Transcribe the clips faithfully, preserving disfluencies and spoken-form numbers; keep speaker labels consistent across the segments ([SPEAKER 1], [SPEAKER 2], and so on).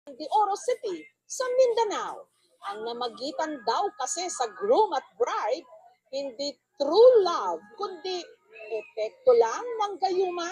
[SPEAKER 1] De Oro City sa Mindanao. Ang namagitan daw kasi sa groom at bride, hindi true love, kundi epekto lang ng gayuma.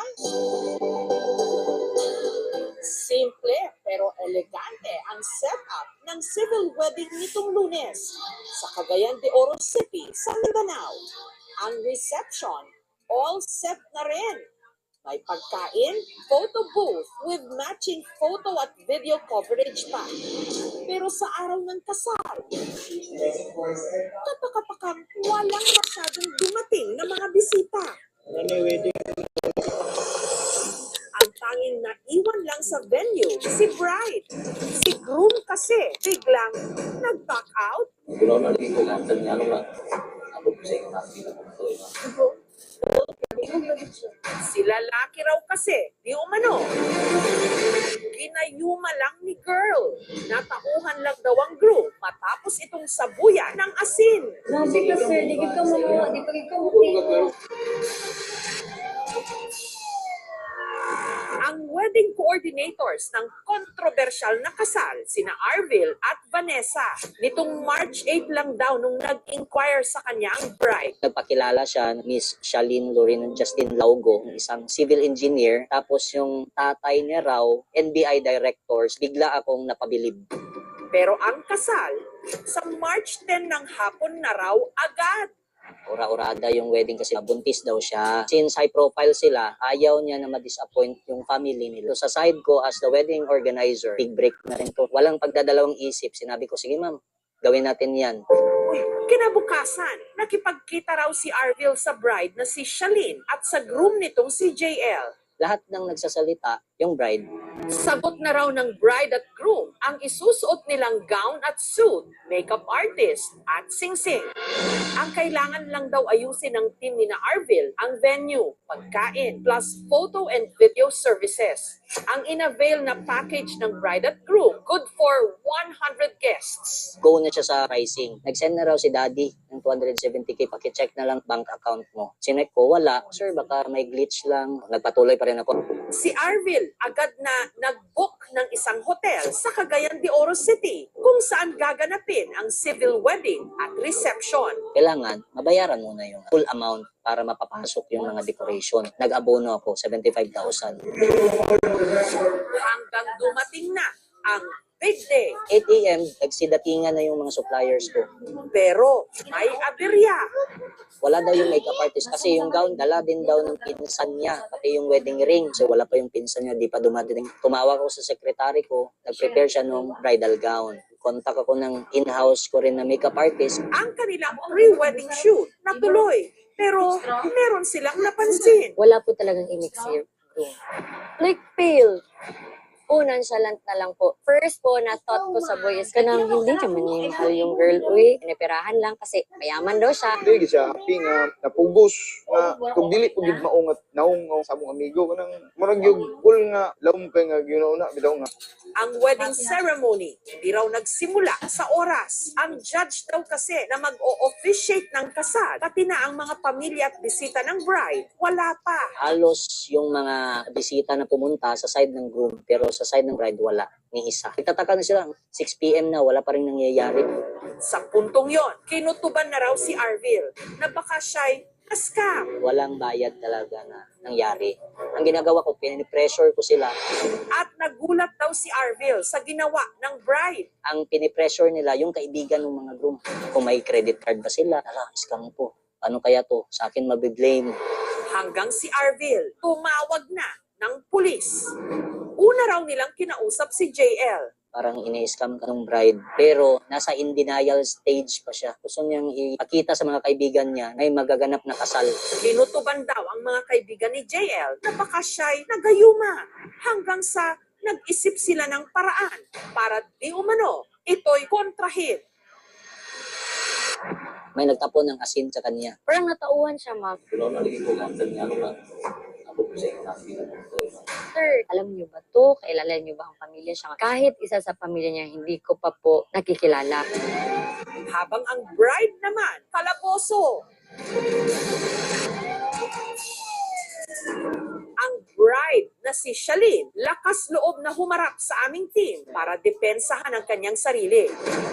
[SPEAKER 1] Simple pero elegante ang setup ng civil wedding nitong Lunes sa Cagayan de Oro City sa Mindanao. Ang reception, all set na rin. May pagkain, photo booth with matching photo at video coverage pa. Pero sa araw ng kasal, katakapakang walang masyadong dumating na mga bisita. Ang tanging naiwan lang sa venue, si bride. Si groom kasi biglang nag-back out. Si lalaki raw kasi, di umano. Ginayuma lang ni girl. Natauhan lang daw ang groom matapos itong sabuyan ng asin.
[SPEAKER 2] Grabe ka, sir. Di ka mo, di pa ka mo.
[SPEAKER 1] Ang wedding coordinators ng kontrobersyal na kasal, sina Arvil at Vanessa, nitong March eighth lang daw nung nag-inquire sa kanya ang bride.
[SPEAKER 3] Nagpakilala siya, Miss Shalene Lorin Justin Laugo, isang civil engineer. Tapos yung tatay niya raw, N B I directors, bigla akong napabilib.
[SPEAKER 1] Pero ang kasal, sa March tenth ng hapon na raw agad.
[SPEAKER 3] Ura-urada yung wedding kasi buntis daw siya. Since high profile sila, ayaw niya na ma-disappoint yung family nila. So sa side ko as the wedding organizer, big break na rin to. Walang pagdadalawang isip. Sinabi ko, sige ma'am, gawin natin yan.
[SPEAKER 1] Kinabukasan, nakipagkita raw si Arvil sa bride na si Shalene at sa groom nitong si J L.
[SPEAKER 3] Lahat ng nagsasalita, yung bride.
[SPEAKER 1] Sagot na raw ng bride at groom ang isusuot nilang gown at suit, makeup artist at singsing. Ang kailangan lang daw ayusin ng team ni na Arvil ang venue, pagkain, plus photo and video services. Ang inavail na package ng bride at groom, good for one hundred guests.
[SPEAKER 3] Go na siya sa pricing. Nag-send na raw si daddy ng two hundred seventy K. Paki-check na lang bank account mo. Sinek ko, wala. Sir, baka may glitch lang. Nagpatuloy pa rin ako.
[SPEAKER 1] Si Arvil agad na nag-book ng isang hotel sa Cagayan de Oro City kung saan gaganapin ang civil wedding at reception.
[SPEAKER 3] Kailangan, mabayaran muna yung full amount para mapapasok yung mga decoration. Nag-abono ako, seventy-five thousand.
[SPEAKER 1] Hanggang dumating na ang big day.
[SPEAKER 3] eight A M, nagsidatingan na yung mga suppliers ko.
[SPEAKER 1] Pero may aberya.
[SPEAKER 3] Wala daw yung makeup artist kasi yung gown, dala din daw ng pinsan niya, pati yung wedding ring. So wala pa yung pinsan niya, di pa dumating. Tumawag ako sa secretary ko, nag-prepare siya ng bridal gown. Contact ako ng in-house ko rin na makeup artist.
[SPEAKER 1] Ang kanilang pre-wedding shoot natuloy. Pero meron silang napansin.
[SPEAKER 2] Wala po talagang elixir. Like pale. Unan siya lang na lang po. First po, na-thought ko sa boy is kanang hindi naman niya mahal yung girl. Uy, pinipirahan lang kasi mayaman daw siya.
[SPEAKER 4] Dili siya happy nga napugos nga kung dili ko gid maungat naungaw sa among amigo kanang murag yung cool nga lawom kay nga ginauna bitaw nga.
[SPEAKER 1] Ang wedding ceremony hindi raw nagsimula sa oras. Ang judge daw kasi na mag-o-officiate ng kasal, pati na ang mga pamilya at bisita ng bride, wala pa.
[SPEAKER 3] Halos yung mga bisita na pumunta sa side ng groom, pero sa side ng bride, wala. Ni isa. Nagtataka na sila, six P M na, wala pa rin nangyayari.
[SPEAKER 1] Sa puntong yon, kinutuban na raw si Arvil na baka siya'y na-scam.
[SPEAKER 3] Walang bayad talaga na nangyari. Ang ginagawa ko, pinipressure ko sila.
[SPEAKER 1] At nagulat daw si Arvil sa ginawa ng bride.
[SPEAKER 3] Ang pinipressure nila, yung kaibigan ng mga groom. Kung may credit card ba sila, ala, scam po. Ano kaya to? Sa akin mabiblame.
[SPEAKER 1] Hanggang si Arvil tumawag na ng pulis. Una raw nilang kinausap si J L.
[SPEAKER 3] Parang ina-scam ka ng bride. Pero nasa in denial stage pa siya. Gusto niyang ipakita sa mga kaibigan niya na may magaganap na kasal.
[SPEAKER 1] Kinutuban daw ang mga kaibigan ni J L na baka siya'y nagayuma. Hanggang sa nag-isip sila ng paraan para di umano ito'y kontrahin.
[SPEAKER 3] May nagtapon ng asin sa kanya.
[SPEAKER 2] Parang natauhan siya, ma'am. Sir, alam niyo ba to? Kailala niyo ba ang pamilya siya? Kahit isa sa pamilya niya, hindi ko pa po nakikilala.
[SPEAKER 1] Habang ang bride naman, kalaboso. Ang bride na si Shalene lakas loob na humarap sa aming team para depensahan ang kanyang sarili.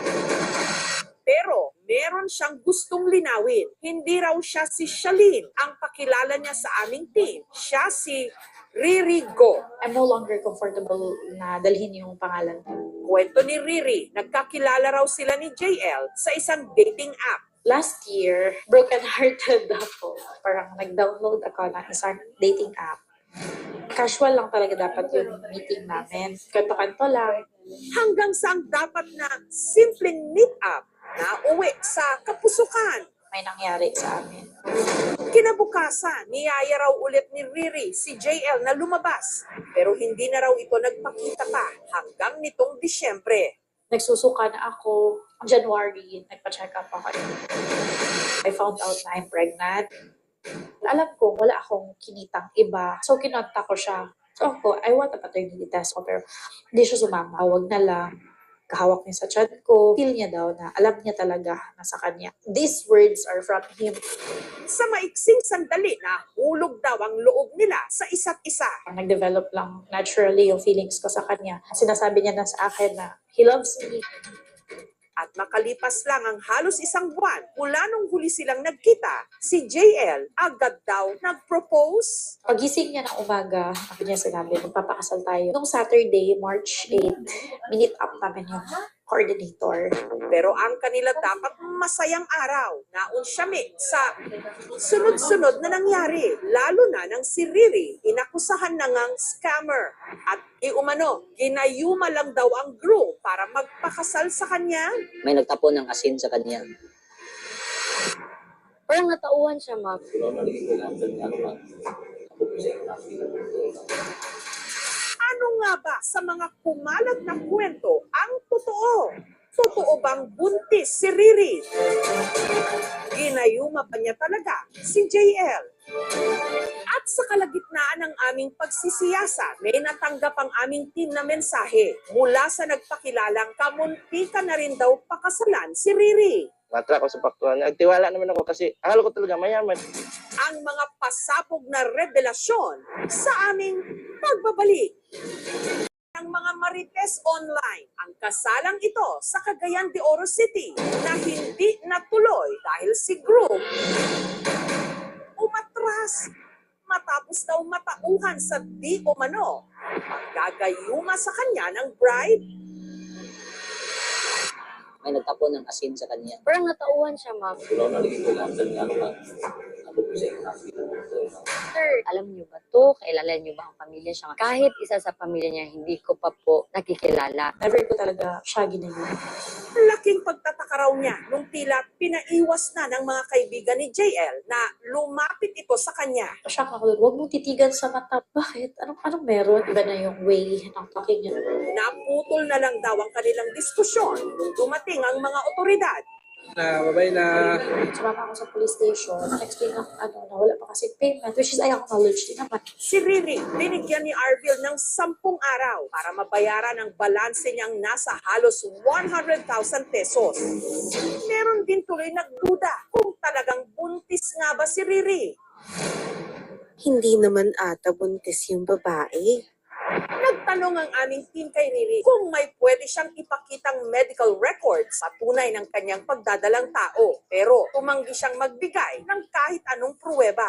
[SPEAKER 1] Pero meron siyang gustong linawin. Hindi raw siya si Shalene ang pakilala niya sa aming team. Siya si Riri Go.
[SPEAKER 5] I'm no longer comfortable na dalhin yung pangalan ko.
[SPEAKER 1] Kwento ni Riri, nagkakilala raw sila ni J L sa isang dating app.
[SPEAKER 5] Last year, broken-hearted ako. Parang nag-download ako ng isang dating app. Casual lang talaga dapat yung meeting namin. Kanto-kanto lang.
[SPEAKER 1] Hanggang sa ang dapat na simpleng meet-up na uwi sa kapusukan.
[SPEAKER 5] May nangyari sa amin.
[SPEAKER 1] Kinabukasan, niyaya raw ulit ni Riri si J L na lumabas. Pero hindi na raw ito nagpakita pa hanggang nitong Disyembre.
[SPEAKER 5] Nagsusuka na ako. January, nagpa-check up ako. I found out na I'm pregnant. Alam ko, wala akong kinitang iba. So, kinontak ko siya. So, ako, I want a paternity test ko. Pero, hindi siya sumama. Huwag na lang. Kahawak niya sa chat ko. Feel niya daw na alam niya talaga na sa kanya. These words are from him.
[SPEAKER 1] Sa maiksing sandali na hulog daw ang loob nila sa isa't isa.
[SPEAKER 5] Nag-develop lang naturally yung feelings ko sa kanya. Sinasabi niya na sa akin na he loves me.
[SPEAKER 1] At makalipas lang ang halos isang buwan mula nung huli silang nagkita, si J L agad daw nag-propose.
[SPEAKER 5] Pagising niya ng umaga, ako niya sinabi, magpapakasal tayo. Noong Saturday, March eighth, minute up namin yung coordinator.
[SPEAKER 1] Pero ang kanila dapat masayang araw, naunsyami sa sunod-sunod na nangyari. Lalo na nang si Riri inakusahan na ngang scammer. At iumano, ginayuma lang daw ang groom para magpakasal sa kanya.
[SPEAKER 3] May nagtapon ng asin sa kanya.
[SPEAKER 2] Parang natauhan siya, ma'am.
[SPEAKER 1] Ano nga ba sa mga kumalat na kwento ang totoo? Totoo bang buntis si Riri? Ginayuma pa niya talaga si J L. At sa kalagitnaan ng aming pagsisiyasa, may natanggap ang aming team na mensahe mula sa nagpakilalang kamunti ka na rin daw pakasalan si Riri.
[SPEAKER 6] Matra ko sa paktuan. Nagtiwala naman ako kasi akala ko talaga mayaman.
[SPEAKER 1] Ang mga pasabog na revelasyon sa aming pagbabalik ng mga Marites Online. Ang kasalang ito sa Cagayan de Oro City na hindi natuloy dahil si groom umatras matapos daw matauhan sa di umano gagayuma sa kanya ng bride.
[SPEAKER 3] May nagtapon ng asin sa kanya.
[SPEAKER 2] Parang natauhan siya, ma'am. Sir, alam niyo ba to? Kailala niyo ba ang pamilya siya? Kahit isa sa pamilya niya, hindi ko pa po nakikilala.
[SPEAKER 5] Never ko talaga siya ginagawa.
[SPEAKER 1] Laking pagtataka raw niya nung tila pinaiwas na ng mga kaibigan ni J L na lumapit ito sa kanya.
[SPEAKER 5] Shock ako doon. Huwag mong titigan sa mata. Bakit? Anong, anong meron? Iba na yung way ng talking niya.
[SPEAKER 1] Naputol na lang daw ang kanilang diskusyon nung dumating ang mga otoridad.
[SPEAKER 7] Na babay na
[SPEAKER 5] Sumama ako sa police station. Explain ako, ano, na wala pa kasi payment. Which is, I acknowledge din naman.
[SPEAKER 1] Si Riri, binigyan ni Arvil ng sampung araw para mabayaran ang balanse niyang nasa halos one hundred thousand pesos. Meron din tuloy nagduda kung talagang buntis nga ba si Riri.
[SPEAKER 8] Hindi naman ata buntis yung babae.
[SPEAKER 1] Nagtanong ang aming team kay Riri kung may pwede siyang ipakitang medical records sa tunay ng kanyang pagdadalang tao. Pero tumanggi siyang magbigay ng kahit anong pruweba.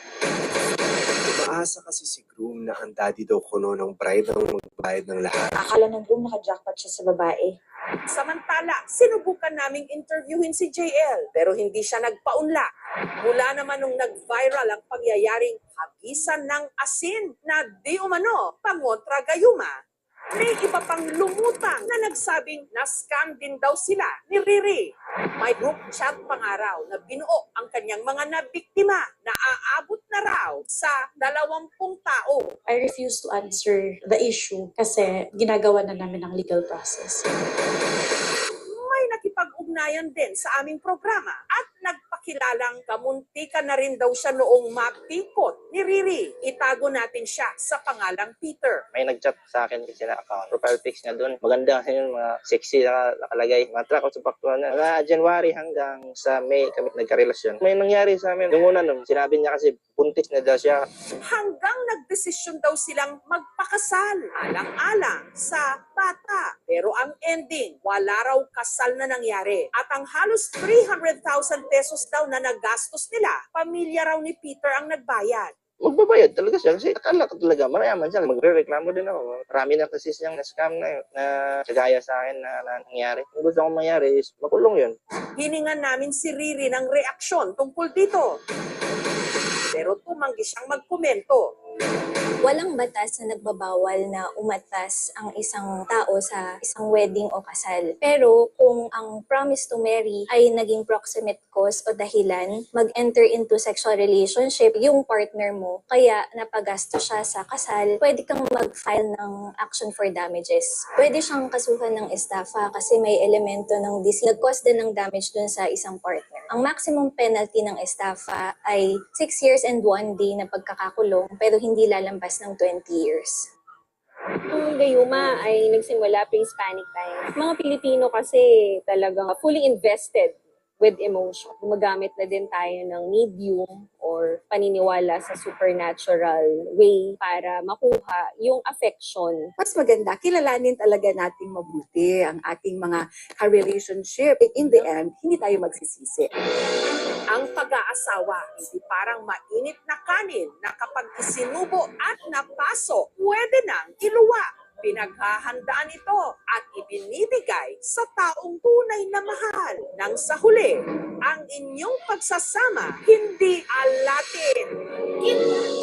[SPEAKER 7] Umaasa kasi si groom na ang daddy daw kuno ng bride ang magbayad ng lahat.
[SPEAKER 5] Akala ng room naka-jackpot siya sa babae.
[SPEAKER 1] Samantala, sinubukan naming interviewin si J L pero hindi siya nagpaunla. Mula naman nung nag-viral ang pangyayaring hagisan ng asin na di umano pangontra gayuma, may iba pang lumutang na nagsabing na-scam din daw sila ni Riri. May group chat pangaraw na binuo ang kanyang mga nabiktima na aabot na raw sa dalawampung tao.
[SPEAKER 5] I refuse to answer the issue kasi ginagawa na namin ang legal process.
[SPEAKER 1] May nakipag-ugnayan din sa aming programa at nagpa nagpakilalang kamunti ka na rin daw siya noong mapikot ni Riri. Itago natin siya sa pangalang Peter.
[SPEAKER 6] May nag-chat sa akin kasi na account. Profile pics niya doon. Maganda kasi yun, mga sexy na nakalagay. Mga track out sa paktuan na. Mga January hanggang sa May kami nagkarelasyon. May nangyari sa amin. Yung una nun, sinabi niya kasi buntis na daw siya.
[SPEAKER 1] Hanggang nagdesisyon daw silang magpakasal. Alang-alang sa bata. Pero ang ending, wala raw kasal na nangyari. At ang halos three hundred thousand pesos daw na nagastos nila, pamilya raw ni Peter ang nagbayad.
[SPEAKER 6] Magbabayad talaga siya kasi akala ko talaga marayaman siya. Magre-reklamo din ako. Marami na kasi siyang na-scam na yun, na kagaya sa akin na, na nangyari. Kung gusto kong mangyari is makulong yun.
[SPEAKER 1] Hiningan namin si Riri ng reaksyon tungkol dito. Pero tumanggi siyang magkomento.
[SPEAKER 9] Walang batas na nagbabawal na umatas ang isang tao sa isang wedding o kasal. Pero kung ang promise to marry ay naging proximate cause o dahilan, mag-enter into sexual relationship yung partner mo, kaya napagasto siya sa kasal, pwede kang mag-file ng action for damages. Pwede siyang kasuhan ng estafa kasi may elemento ng dis nag-cause din ng damage dun sa isang partner. Ang maximum penalty ng estafa ay six years and one day na pagkakakulong pero hindi lalambas ng twenty years.
[SPEAKER 2] Ang gayuma ay nagsimula pre-Hispanic times. Mga Pilipino kasi talagang fully invested with emotion. Gumagamit na din tayo ng medium or paniniwala sa supernatural way para makuha yung affection.
[SPEAKER 10] Mas maganda, kilalanin talaga nating mabuti ang ating mga ka-relationship. In the end, hindi tayo magsisisi.
[SPEAKER 1] Ang pag-aasawa, hindi parang mainit na kanin na kapag isinubo at napaso, pwede nang iluwa. Pinaghahandaan ito at ibinibigay sa taong tunay na mahal. Nang sa huli, ang inyong pagsasama hindi alatin.